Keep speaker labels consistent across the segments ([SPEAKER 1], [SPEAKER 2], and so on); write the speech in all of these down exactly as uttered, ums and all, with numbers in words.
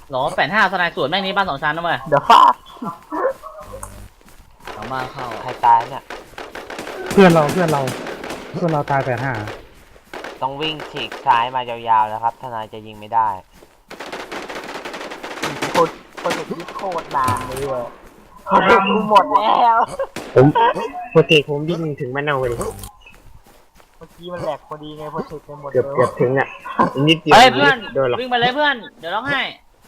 [SPEAKER 1] หรอแปดห้าสไนด์สวนแม่งนี้บ้านสองชั้นนะเว้ย
[SPEAKER 2] เดี๋ยวฟาด
[SPEAKER 1] สองบ้านเข้า
[SPEAKER 3] ใครตายเนี่ย
[SPEAKER 4] เพื่อนเราเพื่อนเราเพื่อนเราตายแปดห้า
[SPEAKER 3] ต้องวิ่งฉีกซ้ายมายาวๆนะครับทนายจะยิงไม่ได้
[SPEAKER 2] โคตรโคตรที่โคตรนานเลยอ่ะเขาเล่นกูหมดแล้ว
[SPEAKER 5] ผมโปรเจกต์ผมวิ่งถึงมะนาวเลย
[SPEAKER 2] เมื่อกี้มันแหลกพอดีไงพอเช็คไปหมด
[SPEAKER 5] เกือบ
[SPEAKER 2] เลย
[SPEAKER 5] เกือบถึงอ่ะนิดเดียว
[SPEAKER 1] เฮ้ยเพื่อน
[SPEAKER 5] โดนหรอก
[SPEAKER 1] วิ่งไปเลยเพื่อนเดี๋ยวร้องไห้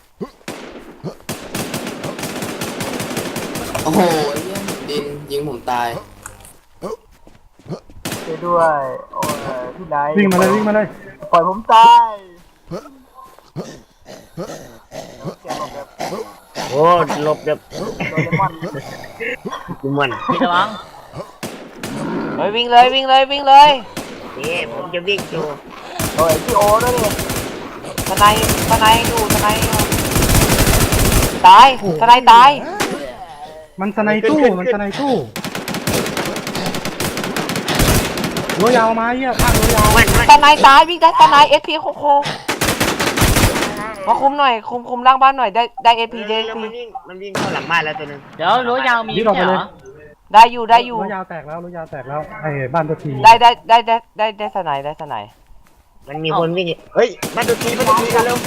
[SPEAKER 6] โอ้โหไอ้เหี้ยดินยิงผมตาย
[SPEAKER 2] ช่วยด้วยโอ้ยพี่นาย
[SPEAKER 4] วิ่งมาเลยวิ่งมาเลย
[SPEAKER 2] ปล่อยผมตายเสียงแบบ
[SPEAKER 5] โอ้หลบแบบ
[SPEAKER 2] โดเรมอน
[SPEAKER 5] ดูมัน
[SPEAKER 1] พี่ระวัง
[SPEAKER 3] เฮ้ยวิ่งเลยวิ่งเลยวิ่งเลย
[SPEAKER 5] เอ๊ะผมจะวิ่งอยู่
[SPEAKER 2] โอ้ยพี่โอด้วยดิ
[SPEAKER 3] ทนายทนายอยู่ทนายอยู่ตายทนายตาย
[SPEAKER 4] มันสไนตู้มันสไนตู้รั้วยาวมาเหี้ยข้างรั้วยาว
[SPEAKER 5] มันมัน
[SPEAKER 3] ทนายตายวิ่งได้ทนายเอสพีโคโคมาคุมหน่อยคุมคุมล่างบ้านหน่อยได้ได้เอสพีได้
[SPEAKER 5] แล้ว
[SPEAKER 3] พี
[SPEAKER 5] มันวิ่งมันวิ่งเข้าหลังบ้านแล้วตัวนึง
[SPEAKER 1] เดี๋ยวรั้วยาวมี
[SPEAKER 4] รีบออกไป
[SPEAKER 1] ใช่
[SPEAKER 4] เล
[SPEAKER 1] เหร
[SPEAKER 4] ย
[SPEAKER 1] อ
[SPEAKER 3] ได้อยู่ได้อยู่
[SPEAKER 4] รั้วยาวแตกแล้วรั้วยาวแตกแล้วไอ้บ้านตัวที
[SPEAKER 3] ได้ได้ได้ได้ได้ได้ทนายได้ทนาย
[SPEAKER 5] มันมีคนวิ่งเฮ้ยมาตัวทีมาตัวทีเร็ว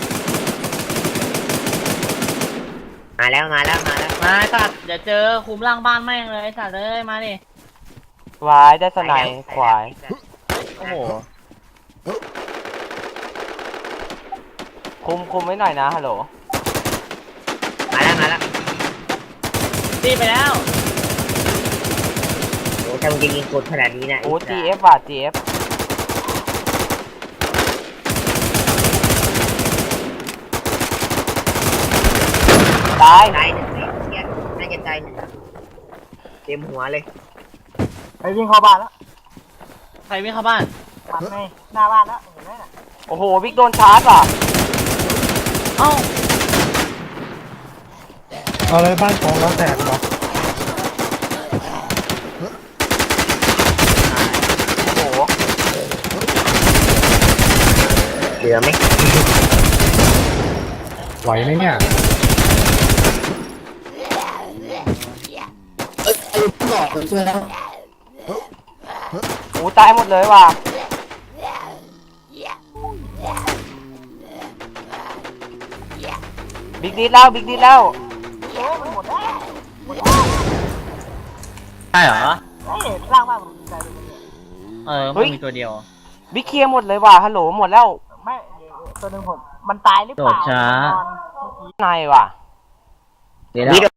[SPEAKER 5] มาแล้วมาแล้วมาแล้ว
[SPEAKER 1] มาสัตว์เดี๋ยวเจอคุมล่างบ้านแม่งเลยไอ้สัตว์เอ้ยมาดิ
[SPEAKER 3] วายได้ทนายควาย
[SPEAKER 1] โอ้โห
[SPEAKER 3] คุมคุมไว้หน่อยนะฮัลโหล
[SPEAKER 5] มาแล้วมาแล้ว
[SPEAKER 1] ตีไปแล้ว
[SPEAKER 5] โอ้ถ้ามึงจะยิงกดขนาดนี้นะ
[SPEAKER 3] โอ้จีเอฟว่ะจีเอฟตาย
[SPEAKER 5] ตายหนึ่งเสียน่าจะตายหนึ่งเต็มหัวเลย
[SPEAKER 2] ไปวิ่งเข้าบ้านแล้ว
[SPEAKER 1] ใครวิ่งเข้าบ้าน
[SPEAKER 2] ทำไงหน้าบ้านแล้วเห็นไหมน่ะ
[SPEAKER 3] โอ้โหบิ๊กโดนชาร์จว่ะ
[SPEAKER 1] เอ้า
[SPEAKER 4] เอาเลยบ้านของเราแตกเหรอ
[SPEAKER 3] โอ้โห
[SPEAKER 5] เหลือไหม
[SPEAKER 4] ไหวไหมเนี่ย
[SPEAKER 6] เอ้ยไอ้หลอกผมช่วยแล้ว
[SPEAKER 3] โอ้ตายหมดเลยว่ะบิ๊กดีดแล้วบิ๊กดีดแล้ว
[SPEAKER 2] เอ๊ะมันหมดแล้วหมดแล้ว
[SPEAKER 1] ใช่เหรอ
[SPEAKER 2] เฮ้ยล่างบ้านผมใจเลยเนี่ย
[SPEAKER 1] เออมันมีตัวเดียว
[SPEAKER 3] บิ๊กเคลียร์หมดเลยว่ะฮัลโหลหมดแล้ว
[SPEAKER 2] ไม่เดี๋ยวตัวหนึ่งผมมันตายหรือเปล่า
[SPEAKER 1] โดดช้า
[SPEAKER 2] นอนเมื่อกี้
[SPEAKER 3] นายว่ะ
[SPEAKER 1] เดี๋ยว